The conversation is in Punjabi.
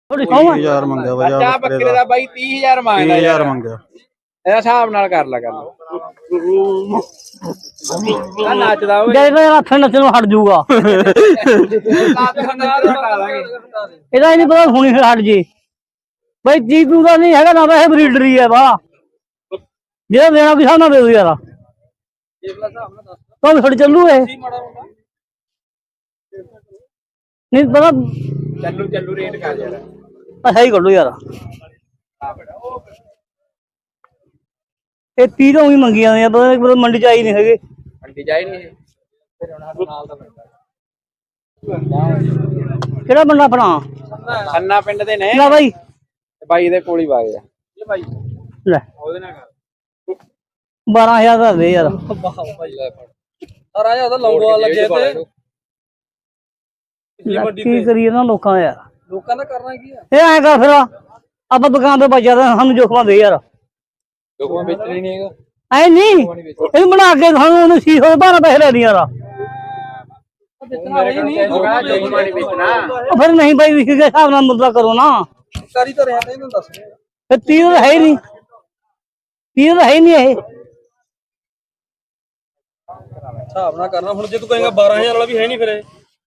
30,000 ਮੰਗਿਆ ਬਾਈ ਬੱਚਾ ਬੱਕਰੇ ਦਾ ਬਾਈ 30,000 ਮੰਗਦਾ 30,000 ਮੰਗਿਆ ਇਹਦਾ ਹਿਸਾਬ ਨਾਲ ਕਰ ਲਾ ਗੱਲ ਆ ਨੱਚਦਾ ਓਏ ਜੇ ਹੱਥ ਨੱਚਣੋਂ ਹਟ ਜਾਊਗਾ ਇਹਦਾ ਨਹੀਂ ਪਤਾ ਹੁਣੀ ਹਟ ਜੇ ਬਈ ਜੀਤੂ ਦਾ ਨਹੀਂ ਹੈਗਾ ਨਾ ਵੈਸੇ ਬਰੀਡਰ ਹੀ ਹੈ ਵਾ ਜਿਹੜਾ ਦੇਣਾ ਵੀ ਸਾਹਮਣਾ ਦੇ ਦੋ ਯਾਰ ਤਾਂ ਛੱਡ ਚੱਲੂ ਇਹ ਨਹੀਂ ਪਤਾ ਚੱਲੂ ਰੇਟ ਕਰ ਯਾਰ ਅੱਛਾ ਹੀ ਕੱਢੋ ਯਾਰ ਇਹ 30 ਤੋਂ ਹੀ ਮੰਗੀਆਂ ਨੇ ਪਤਾ ਮੰਡੀ ਚ ਆਈ ਨਹੀਂ ਹੈਗੇ ਮੰਡੀ ਜਾਈ ਨਹੀਂ ਫਿਰ ਉਹਨਾਂ ਨਾਲ ਦਾ ਕਿਹੜਾ ਬੰਦਾ ਆਪਣਾ ਖੰਨਾ ਪਿੰਡ ਦੇ ਨੇ ਲੈ ਬਾਈ ਬਾਈ ਦੇ ਕੋਲ ਹੀ ਵਾਗੇ ਆ ਇਹ ਬਾਈ ਲੈ ਉਹਦੇ ਨਾਲ ਕਰ 12,000 ਦਾ ਦੇ ਯਾਰ ਰਾਜਾ ਉਹਦਾ ਲੌਂਗੋਵਾਲ ਲੱਗਿਆ ਤੇ ਕੀ ਕਰੀਏ ਨਾ ਲੋਕਾਂ ਦਾ ਯਾਰ ਲੋਕਾਂ ਦਾ ਕਰਨਾ ਕੀ ਆ ਇਹ ਐਂ ਕਰ ਫਿਰ ਆਪਾਂ ਦੁਕਾਨ ਤੇ ਬਚਿਆ ਤਾਂ ਸਾਨੂੰ ਜੋਖਾਂ ਦੇ ਯਾਰ ਲੋਕਾਂ ਵੇਚਣੀ ਨਹੀਂ ਹੈਗਾ ਐ ਨਹੀਂ ਇਹ ਬਣਾ ਕੇ ਸਾਨੂੰ ਉਹਨੇ 612 ਪੈਸੇ ਲੈ ਲਈ ਯਾਰ ਫਿਰ ਨਹੀਂ ਬਾਈ ਵਿਕ ਕੇ ਹਿਸਾਬ ਨਾਲ ਮੁੱਦਾ ਕਰੋ ਨਾ ਕਰੀ ਤਾਂ ਰਿਹਾ ਤੈਨੂੰ ਦੱਸ ਫਿਰ 30 ਤਾਂ ਹੈ ਹੀ ਨਹੀਂ 30 ਤਾਂ ਹੈ ਹੀ ਨਹੀਂ ਇਹ ਹਿਸਾਬ ਨਾਲ ਕਰਨਾ ਹੁਣ ਜੇ ਤੂੰ ਕਹੇਗਾ 12,000 ਵਾਲਾ ਵੀ ਹੈ ਨਹੀਂ ਫਿਰ